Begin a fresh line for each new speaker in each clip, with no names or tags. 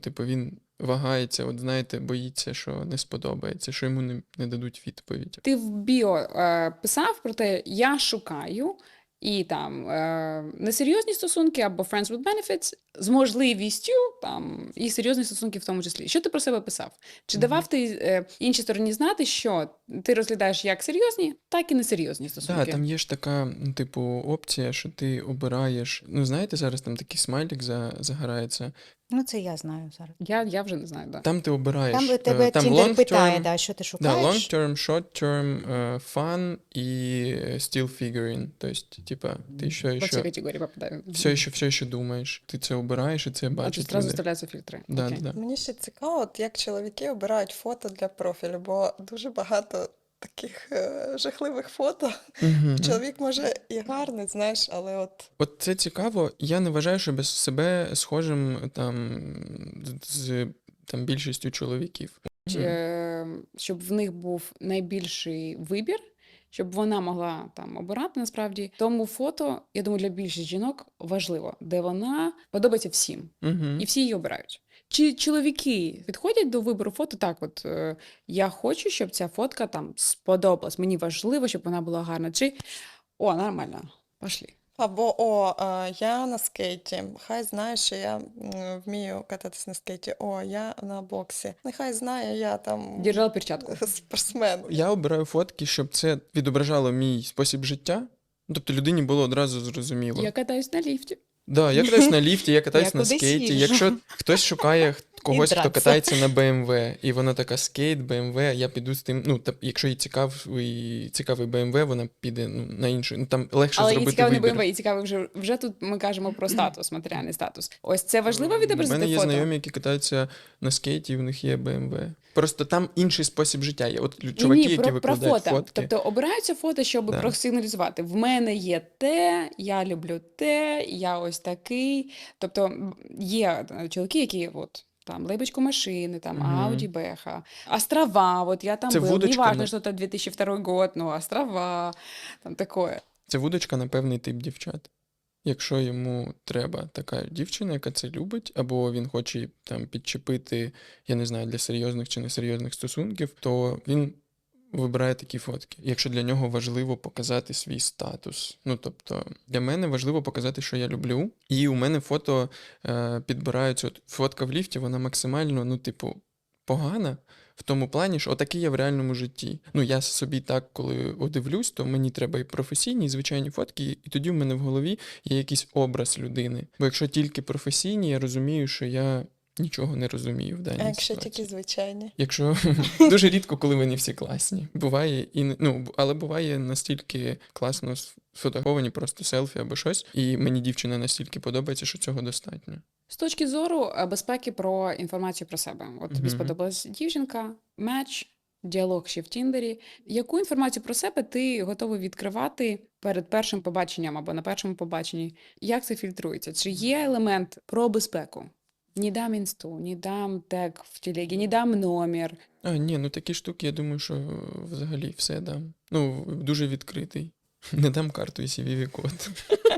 типу, він вагається, от знаєте, боїться, що не сподобається, що йому не дадуть відповідь.
Ти в біо писав про те, я шукаю і там несерйозні стосунки або friends with benefits з можливістю там і серйозні стосунки в тому числі. Що ти про себе писав? Чи давав ти іншій стороні знати, що ти розглядаєш як серйозні, так і несерйозні стосунки?
Так, там є ж така, типу, опція, що ти обираєш. Ну, знаєте, зараз там такий смайлик загорається.
Ну, це я знаю зараз.
Я вже не знаю, да.
Там ти обираєш.
Там тебе
там
Тіндер
long
питає,
term,
да, що ти
да,
шукаєш.
long term, short term, fun і still figuring. Тобто, типа, ти
По цій категорії попадаю.
все ще думаєш. Ти це обираєш і це
А ти
бачиш.
одразу вставляються фільтри.
Да,
Окей.
да.
Мені ще цікаво, от як чоловіки обирають фото для профілю, бо дуже багато таких жахливих фото.
Угу.
Чоловік може і гарний, знаєш, але от
От це цікаво. Я не вважаю, що без себе схожим там з там більшістю чоловіків.
Щоб в них був найбільший вибір, щоб вона могла там обирати насправді. Тому фото, я думаю, для більшості жінок важливо, де вона подобається всім.
Угу.
І всі її обирають. Чи чоловіки підходять до вибору фото так, от я хочу, щоб ця фотка там сподобалась, мені важливо, щоб вона була гарна. Чи нормально, пошли.
або я на скейті. Хай знає, що я вмію кататись на скейті. Я на боксі. Нехай знає, я там
Держала перчатку.
спортсмен.
Я обираю фотки, щоб це відображало мій спосіб життя. Тобто людині було одразу зрозуміло.
Я катаюсь на ліфті.
Да, я катаюсь на ліфті, я катаюсь
Я
на
кудись
скейті.
їжджу.
Якщо хтось шукає когось, хто
Драться.
катається на BMW, і вона така скейт, BMW, я піду з тим. Ну, якщо їй цікавий BMW, вона піде на іншу. Ну, там легше
Але їй
зробити
цікаво не
вибір.
БМВ, їй цікаво вже тут ми кажемо про статус, матеріальний статус. Ось це важливо
У
відобразити
мене є
фото?
знайомі, які катаються на скейті, і в них є BMW. Просто там інший спосіб життя є. От
Ні,
чуваки, які
про
викладають
фото.
фотки.
Тобто обираються фото, щоб
Да.
просигналізувати. В мене є те, я люблю те, я ось такий. Тобто є чоловіки, які от там лейбочку машини, там Ауді, Беха, острова, от я там
Це
був,
вудочка
неважно,
на-
що це 2002 год, ну, острова, там таке.
Це вудочка на певний тип дівчат. Якщо йому треба така дівчина, яка це любить, або він хоче там підчепити, я не знаю, для серйозних чи несерйозних стосунків, то він вибирає такі фотки. Якщо для нього важливо показати свій статус. Ну, тобто, для мене важливо показати, що я люблю. І у мене фото підбираються. От фотка в ліфті, вона максимально, ну, типу, погана. В тому плані, що отакий я в реальному житті. Ну, я собі так, коли одивлюсь, то мені треба і професійні, і звичайні фотки, і тоді в мене в голові є якийсь образ людини. Бо якщо тільки професійні, я розумію, що я нічого не розумію в даній
А якщо
ситуації.
тільки звичайні?
Якщо дуже рідко, коли вони всі класні. Буває але буває настільки класно сфотографовані просто селфі або щось, і мені дівчина настільки подобається, що цього достатньо.
З точки зору безпеки про інформацію про себе. От тобі
Мгм.
сподобалась дівчинка, меч, діалог ще в Тіндері. Яку інформацію про себе ти готовий відкривати перед першим побаченням або на першому побаченні? Як це фільтрується? Чи є елемент про безпеку? Не дам інсту, не дам тег в телегі, не дам номер.
Ні, такі штуки, я думаю, що взагалі все дам. Дуже відкритий. Не дам карту і CVV-код.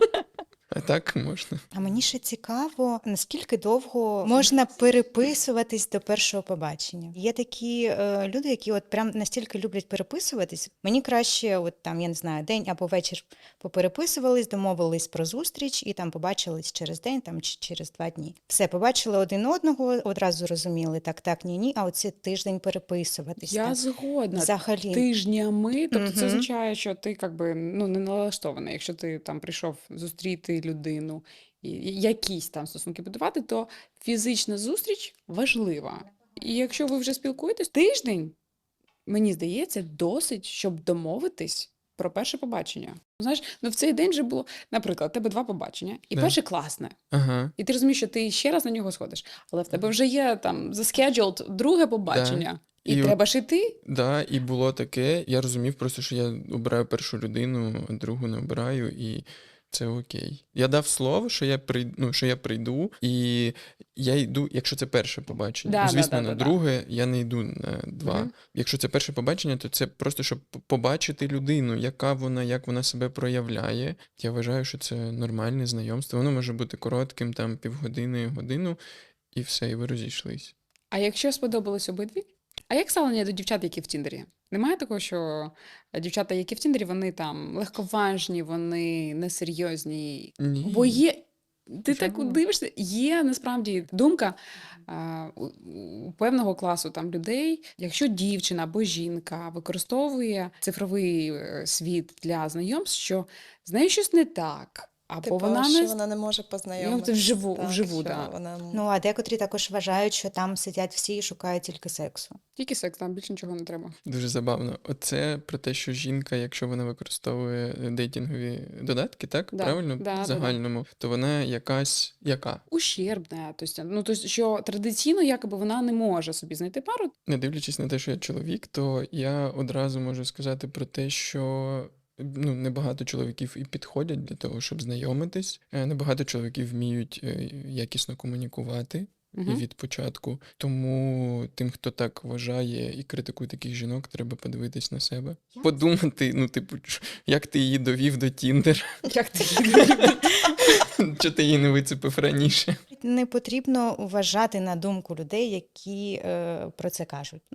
А так можна.
А мені ще цікаво, наскільки довго можна переписуватись до першого побачення. Є такі люди, які от прям настільки люблять переписуватись. Мені краще, от там, я не знаю, день або вечір попереписувались, домовились про зустріч і там побачились через день там, чи через 2 дні. Все, побачили один одного, одразу розуміли, так, ні, а оце тиждень переписуватись.
Я
так.
згодна.
Взагалі.
Тижнями, тобто це
Мгм.
означає, що ти не налаштований. Якщо ти там прийшов зустріти людину і якісь там стосунки будувати, то фізична зустріч важлива. І якщо ви вже спілкуєтесь, тиждень, мені здається, досить, щоб домовитись про перше побачення. Знаєш, в цей день вже було, наприклад, у тебе 2 побачення, і
Да.
перше класне.
Ага.
І ти розумієш, що ти ще раз на нього сходиш, але в тебе вже є там заскеджулд друге побачення, і
І
треба ж іти.
Да, і було таке. Я розумів просто, що я обираю першу людину, а другу не обираю, і це окей. Я дав слово, що я прийду, і я йду, якщо це перше побачення.
Да,
Звісно,
да.
на друге я не йду на 2.
Мгм.
Якщо це перше побачення, то це просто, щоб побачити людину, яка вона, як вона себе проявляє. Я вважаю, що це нормальне знайомство. Воно може бути коротким, там, півгодини, годину. і все, і ви розійшлись.
А якщо сподобались обидві? А як ставлення до дівчат, які в Тіндері? Немає такого, що дівчата, які в Тіндері, вони там легковажні, вони несерйозні.
Ні.
Бо є, ти так
Чому?
дивишся, є насправді думка у певного класу там людей, якщо дівчина або жінка використовує цифровий світ для знайомств, що з нею щось не так, або
Типу,
вона
що
не
вона не може познайомитися.
вживу,
що
да.
вона...
Ну, а декотрі також вважають, що там сидять всі і шукають тільки сексу.
Тільки секс, там більше нічого не треба.
Дуже забавно. Оце про те, що жінка, якщо вона використовує дейтингові додатки, так?
Да,
Правильно?
да,
В загальному, то вона якась яка?
Ущербне, тобто, що традиційно якоби вона не може собі знайти пару.
Не дивлячись на те, що я чоловік, то я одразу можу сказати про те, що небагато чоловіків і підходять для того, щоб знайомитись. Небагато чоловіків вміють якісно комунікувати. І
Мгм.
від початку. Тому тим, хто так вважає і критикує таких жінок, треба подивитись на себе. Подумати, як ти її довів до Тіндер,
Як ти
що ти її не вицепив раніше.
Не потрібно вважати на думку людей, які про це кажуть.